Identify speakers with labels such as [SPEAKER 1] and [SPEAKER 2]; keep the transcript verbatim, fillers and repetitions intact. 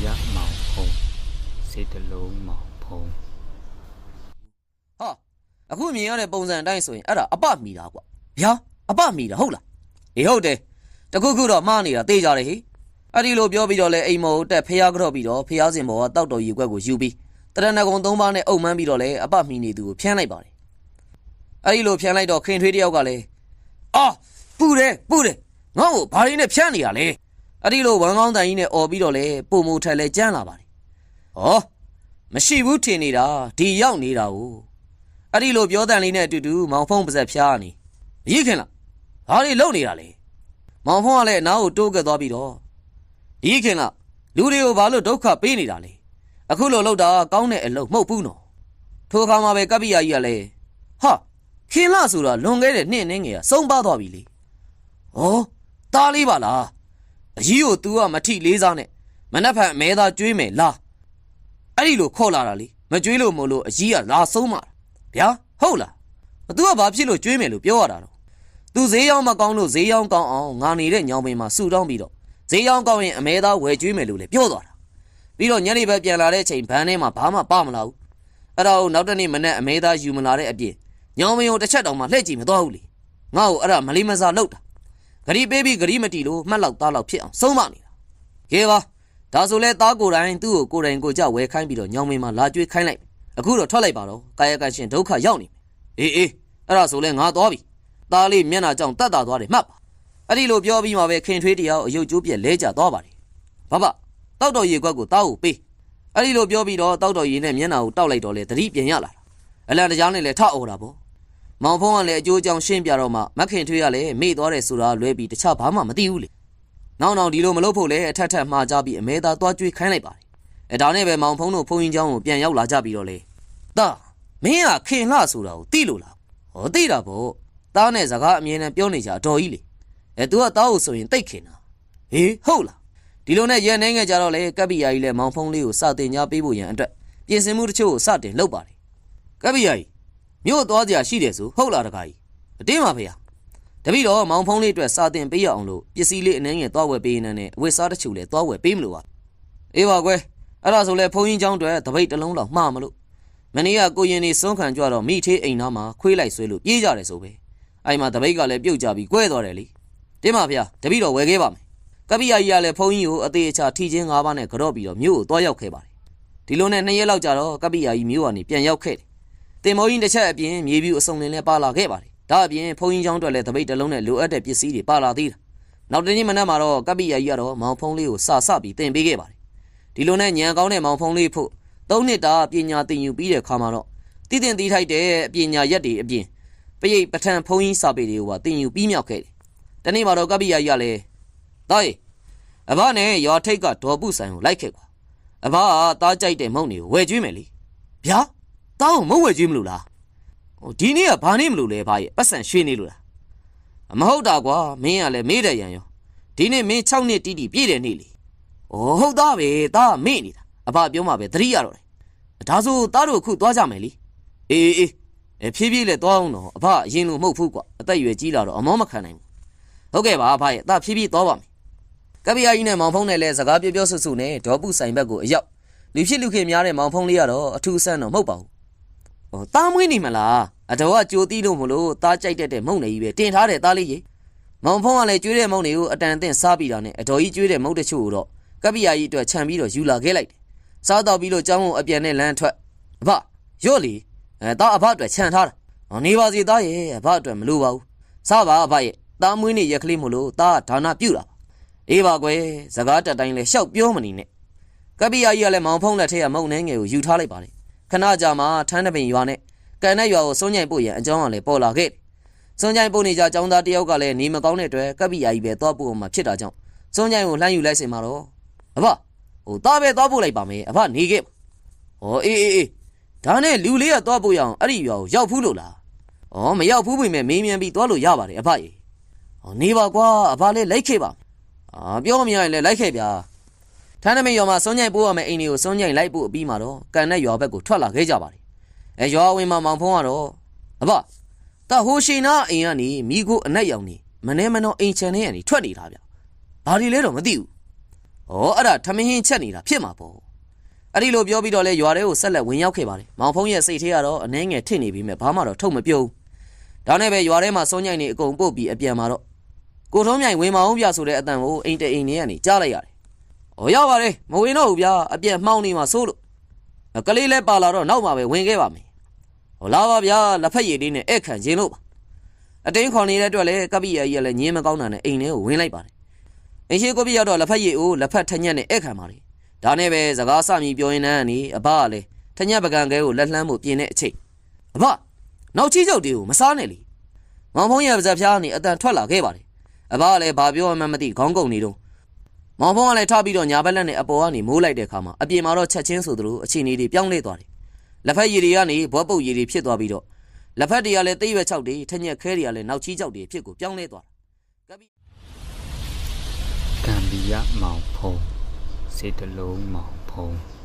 [SPEAKER 1] ยักษ์เมาพงเศรษฐโลเมาพง
[SPEAKER 2] ဟာအခုမြင်ရတဲ့ပုံစံအတိုင်းဆိုရင်အဲ့ဒါအပမီတာကွာဗျာအပမီတာဟုတ်လားအေးဟုတ်တယ်တခုခုတော့မှားနေတာသိကြတယ်ဟိအဲ့ဒီလိုပြောပြီးတော့လဲအိမ်မော်တက်ဖျားကြော့ပြီးတော့ဖျားစင်ဘောကတောက်တော်ရီကွက်ကိုယူပြီးတရဏဂုံသုံးပါးနဲ့အုပ်မှန်းပြီးတော့လဲအပမီနေသူကိုဖျန်းလိုက်ပါတယ်အဲ့ဒီလိုဖျန်းလိုက်တော့ခင်ထွေးတယောက်ကလည်းအာပူတယ်ပူတယ်ငါ့ကိုဘာရင်းနဲ့ဖျန်းနေရလဲအဲ့ဒီလိုဝမ်ကောင်းတန်ကြီးနဲ့អော်ပြီးတော့လဲပုံမူထက်လဲကြမ်းလာပါတယ်ဟောမရှိဘူးထင်နေတာဒီရောက်နေတာကိုအဲ့ဒီလိုပြောတန်လေးနဲ့အတူတူမောင်ဖုံးပါဇက်ဖျားနေရည်ခင်လားဘာတွေလုပ်နေတာလဲမောင်ဖုံးကလည်းအနားကိုတိုးကပ်သွားပြီးတော့ရည်ခင်လားလူတွေကိုဘာလို့ဒုက္ခပေးနေတာလဲအခုလိုလုပ်တာကောင်းတဲ့အလုပ်မဟုတ်ဘူးနော်ထိုအခါမှာပဲကပ္ပိယကြီးကလည်းဟာခင်လားဆိုတာလွန်ခဲ့တဲ့နှစ်နှင်းငယ်ကစုံပါသွားပြီလေဟောတားလေးပါလားအကြီးကို तू ကမထိလေးစားနဲ့မနှက်ဖက်အမဲသားကျွေးမယ်လားအဲ့ဒီလိုခေါ်လာတာလေမကျွေးလို့မို့လို့အကြီးကလာဆုံးမှာဗျာဟုတ်လား तू ကဘာဖြစ်လို့ကျွေးမယ်လို့ပြောရတာတော့ तू ဈေးရောက်မကောင်းလို့ဈေးရောက်ကောင်းအောင်ငါနေတဲ့ညောင်ပင်မှာဆူတောင်းပြီးတော့ဈေးရောက်ကောင်းရင်အမဲသားဝယ်ကျွေးမယ်လို့လည်းပြောသွားတာပြီးတော့ညနေဘက်ပြန်လာတဲ့အချိန်ဘန်းထဲမှာဘာမှပမလာဘူးအဲ့ဒါကိုနောက်တနေ့မနေ့အမဲသားယူမလာတဲ့အပြင်ညောင်ပင်ကိုတစ်ချက်တောင်မှလှည့်ကြည့်မသွားဘူးလေငါ့ကိုအဲ့ဒါမလေးမစားလောက်တာဂရီပေးပြီးဂရီမတီလို့မှတ်လောက်သားလောက်ဖြစ်အောင်ဆုံးမနေတာကဲပါဒါဆိုလဲသားကိုယ်တိုင်သူ့ကိုကိုယ်တိုင်ကိုကြဝဲခိုင်းပြီးတော့ညောင်မင်းမှာလာကြွေးခိုင်းလိုက်အခုတော့ထွက်လိုက်ပါတော့ကာယကံရှင်ဒုက္ခရောက်နေပြီအေးအေးအဲ့ဒါဆိုလဲငါသွားပြီသားလေးမျက်နှာကြောင့်တတ်တာသွားတယ်မှတ်ပါအဲ့ဒီလိုပြောပြီးမှပဲခင်ထွေးတရားအယုတ်ကျိုးပြက်လဲကျသွားပါတယ်ဘဘတောက်တော်ရေခွက်ကိုသားကိုပေးအဲ့ဒီလိုပြောပြီးတော့တောက်တော်ရေနဲ့မျက်နှာကိုတောက်လိုက်တော့လေသတိပြန်ရလာတာအလံတရားနဲ့လည်းထအော်တာပေါ့မောင်ဖုံးကလည်းအကျိုးအကြောင်းရှင်းပြတော့မှမခင်ထွေးကလည်းမေ့သွားတယ်ဆိုတာလွဲပြီးတခြားဘာမှမသိဘူးလေနောက်နောက်ဒီလိုမလုပ်ဖို့လဲအထက်ထက်မှားကြပြီးအမဲသားသွားကြွေးခိုင်းလိုက်ပါတယ်အဲဒါနဲ့ပဲမောင်ဖုံးတို့ဖုံးရင်เจ้าကိုပြန်ရောက်လာကြပြီးတော့လေတာမင်းကခင်လှဆိုတာကိုသိလို့လားဟောသိတာပေါ့တားနဲ့စကားအမြဲတမ်းပြောနေကြအတော်ကြီးလေအဲ तू ကတားကိုဆိုရင်တိတ်ခင်တာဟေးဟုတ်လားဒီလိုနဲ့ရန်နေငယ်ကြတော့လေကပ္ပိယကြီးလည်းမောင်ဖုံးလေးကိုစတင်ကြပေးဖို့ရန်အတွက်ပြင်ဆင်မှုတချို့ကိုစတင်လုပ်ပါတယ်ကပ္ပိယကြီးမြို့သွားကြရှိတယ်ဆိုဟုတ်လားတခါကြီးအတင်းပါဖေဟာတပည့်တော်မောင်ဖုံးလေးအတွက်စာတင်ပေးရအောင်လို့ပစ္စည်းလေးအနှင်းငယ်သွားဝယ်ပေးနေတဲ့အဝတ်စားတချို့လည်းသွားဝယ်ပေးမလို့ပါအေးပါကွယ်အဲ့ဒါဆိုလဲဘုန်းကြီးเจ้าတွေတပိတ်တစ်လုံးလောက်မှားမလို့မနေ့ကကိုရင်နေစွန့်ခံကြတော့မိသေးအိမ်သားမှာခွေးလိုက်ဆွဲလို့ပြေးကြတယ်ဆိုပဲအဲ့မှာတပိတ်ကလည်းပြုတ်ကြပြီးကွဲသွားတယ်လေတင်းပါဖေဟာတပည့်တော်ဝယ်ခဲ့ပါမယ်ကပ္ပိယကြီးကလည်းဘုန်းကြီးကိုအသေးအချာထီချင်း၅ပါးနဲ့ကြော့ပြီးတော့မြို့ကိုသွားရောက်ခဲ့ပါတယ်ဒီလိုနဲ့နှစ်ရက်လောက်ကြာတော့ကပ္ပိယကြီးမြို့ကနေပြန်ရောက်ခဲ့တယ်တင်မောကြီးတစ်ချက်အပြင်မြေပြူအစုံလင်းလည်းပါလာခဲ့ပါတယ်ဒါအပြင်ဘုန်းကြီးเจ้าတွေလည်းတပိတ်တစ်လုံးနဲ့လိုအပ်တဲ့ပစ္စည်းတွေပါလာသေးတယ်နောက်တနေ့မနက်မှာတော့ကပ္ပိယကြီးကတော့မောင်ဖုံးလေးကိုစာစပြီးတင်ပေးခဲ့ပါတယ်ဒီလိုနဲ့ညံကောင်းတဲ့မောင်ဖုံးလေးဖို့သုံးနှစ်တာပညာသင်ယူပြီးတဲ့ခါမှာတော့တည်တင်တည်ထိုက်တဲ့ပညာရက်တွေအပြင်ပရိတ်ပဋ္ဌာန်းဘုန်းကြီးစာပေတွေကိုပါသင်ယူပြီးမြောက်ခဲ့တယ်တနေ့မှာတော့ကပ္ပိယကြီးကလည်းတားရေအဘနဲ့ရွာထိတ်ကဒေါ်ပုဆိုင်ကိုလိုက်ခဲ့ကွာအဘကတားကြိုက်တဲ့မုံတွေကိုဝယ်ကျွေးမယ်လေဗျာတားကိုမုံဝယ်ကျွေးမလို့လားဟိုဒီနေ့ကဘာနေမလို့လဲဘာရဲ့ပတ်စံရွှေနေလို့လားမဟုတ်တာကွာမင်းကလည်းမေးတယ်ရန်ရောဒီနေ့မင်း၆နှစ်တီးတီးပြည့်တယ်နေ့လေဩဟုတ်သားပဲတားမေ့နေတာအဘပြောမှပဲသတိရတော့တယ်ဒါဆိုတားတို့အခုသွားကြမယ်လေအေးအေးအေးဖြည်းဖြည်းလေးသွားအောင်တော့အဘအရင်လိုမဟုတ်ဘူးကွာအသက်ရွယ်ကြီးလာတော့အမောမခံနိုင်ဘူးဟုတ်ကဲ့ပါအဘရဲ့တားဖြည်းဖြည်းသွားပါမယ်ကပ္ပိယကြီးနဲ့မောင်ဖုံးနဲ့လည်းစကားပြောပြောဆွဆွနဲ့ဒေါ်ပုဆိုင်ဘက်ကိုအရောက်လူဖြစ်လူခင်များတဲ့မောင်ဖုံးလေးကတော့အထူးဆန်းတော့မဟုတ်ပါဘူးဟောတားမွေးနေမလားအတော်ကကြိုတီးလို့မလို့တားကြိုက်တတ်တဲ့မုံနေကြီးပဲတင်ထားတယ်တားလေးကြီးမောင်ဖုံးကလည်းကျွေးတဲ့မုံတွေကိုအတန်အသင့်စားပြီးတာနဲ့အတော်ကြီးကျွေးတဲ့မုံတချို့ကိုတော့ကပ္ပိယကြီးအတွက်ခြံပြီးတော့ယူလာခဲ့လိုက်တယ်စားတော့ပြီးလို့ကျောင်းကိုအပြန်နဲ့လမ်းထွက်အဘရော့လီအဲတားအဘအတွက်ခြံထားတာဟောနေပါစီတားရဲ့အဘအတွက်မလိုပါဘူးစားပါအဘရဲ့တားမွေးနေရက်ကလေးမလို့တားဒါနာပြုတ်တာအေးပါကွယ်စကားတက်တိုင်းလဲရှောက်ပြောမနေနဲ့ကပ္ပိယကြီးကလည်းမောင်ဖုံးလက်ထက်ကမုံနှဲငယ်ကိုယူထားလိုက်ပါတယ်ခဏကြာမှထန်းတပင်ရွာနဲ့ကန်တဲ့ရွာကိုစွန့်ညိုင်ပို့ရန်အကြောင်းကလည်းပေါ်လာခဲ့စွန့်ညိုင်ပို့နေကြចောင်းသားတယောက်ကလည်းနေမကောင်းတဲ့အတွက်ကပ္ပိယကြီးပဲသွားပို့မှဖြစ်တာကြောင့်စွန့်ညိုင်ကိုလှမ်းယူလိုက်စင်မှာတော့အဘဟိုသားပဲသွားပို့လိုက်ပါမယ်အဘနေခဲ့ဟောအေးအေးအေးဒါနဲ့လူလေးကသွားပို့ရအောင်အဲ့ဒီရွာကိုရောက်ဖူးလို့လားဩမရောက်ဖူးပြီမဲ့မေးမြန်းပြီးသွားလို့ရပါတယ်အဘရေဟောနေပါကွာအဘလေးလိုက်ခဲ့ပါအာပြောမရရင်လည်းလိုက်ခဲ့ဗျာထန်းနမိတ်ရွာမှာစွန့်ညိုင်ပို့ရမယ်အိမ်တွေကိုစွန့်ညိုင်လိုက်ပို့ပြီးမှတော့ကန်တဲ့ရွာဘက်ကိုထွက်လာခဲ့ကြပါတယ်အဲရွာဝင်မှာမောင်ဖုံးကတော့အဘတာဟိုရှိနာအိမ်ကနေမိကိုအနက်ရောင်နေမနေမနှောအိမ်ချန်ထဲကနေထွက်နေတာဗျဘာဒီလဲတော့မသိဘူးဩအဲ့ဒါထမင်းချက်နေတာဖြစ်မှာပေါ့အဲ့ဒီလိုပြောပြီးတော့လဲရွာထဲကိုဆက်လက်ဝင်ရောက်ခဲ့ပါတယ်မောင်ဖုံးရဲ့စိတ်ထဲကတော့အနှဲငယ်ထစ်နေပြီးမြဲဘာမှတော့ထုတ်မပြုံးဒါနဲ့ပဲရွာထဲမှာစောညိုင်နေအကုန်ပုတ်ပြီးအပြန်မှာတော့ကိုထုံးမြိုင်ဝင်မအောင်ပြဆိုတဲ့အတန်ကိုအိမ်တအိမ်နေကနေကြားလိုက်ရတယ်ဩရောက်ပါလေမဝင်တော့ဘူးဗျာအပြန်မှောင်းနေမှာစိုးလို့ကလေးလဲပါလာတော့နောက်မှပဲဝင်ခဲ့ပါမယ်ဟောလာပါဗျာလက်ဖက်ရည်လေးနဲ့အဲ့ခံခြင်းလို့ပါအတင်းခေါ်နေတဲ့အတွက်လဲကပိယာကြီးကလည်းညင်းမကောင်းတာနဲ့အိမ်ထဲကိုဝင်လိုက်ပါတယ်အင်းရှိကိုပိရောက်တော့လက်ဖက်ရည်ကိုလက်ဖက်ထညက်နဲ့အဲ့ခံပါလေဒါနဲ့ပဲစကားစမြည်ပြောရင်းနဲ့နေအဘကလည်းထညက်ပကံကဲကိုလက်လှမ်းဖို့ပြင်တဲ့အချိန်အဘနောက်ချီချုပ်တွေကိုမစားနဲ့လေမောင်ဖုံးရဲ့ပါဇက်ဖျားကနေအတန်ထွက်လာခဲ့ပါတယ်အဘကလည်းဘာပြောမှမသိခေါင်းကုန်နေတော့မောင်ဖုံးကလည်းထပြီးတော့ညာဘက်လက်နဲ့အပေါ်ကနေမိုးလိုက်တဲ့အခါမှာအပြင်မှာတော့ချက်ချင်းဆိုသလိုအခြေအနေတွေပြောင်းလဲသွားတယ်လက်ဖက်ရည်တွေကနေဘွက်ပုတ်ရည်တွေဖြစ်သွားပြီးတော့လက်ဖက်တွေကလည်းသိရွက်ချောက်တွေထညက်ခဲတွေကလည်းနောက်ချီချောက်တွေဖြစ်ကိုပြောင်းလဲသွားတာကပိ
[SPEAKER 1] ကံဘီယမောင်ဖုံးစေတလုံးမောင်ဖုံး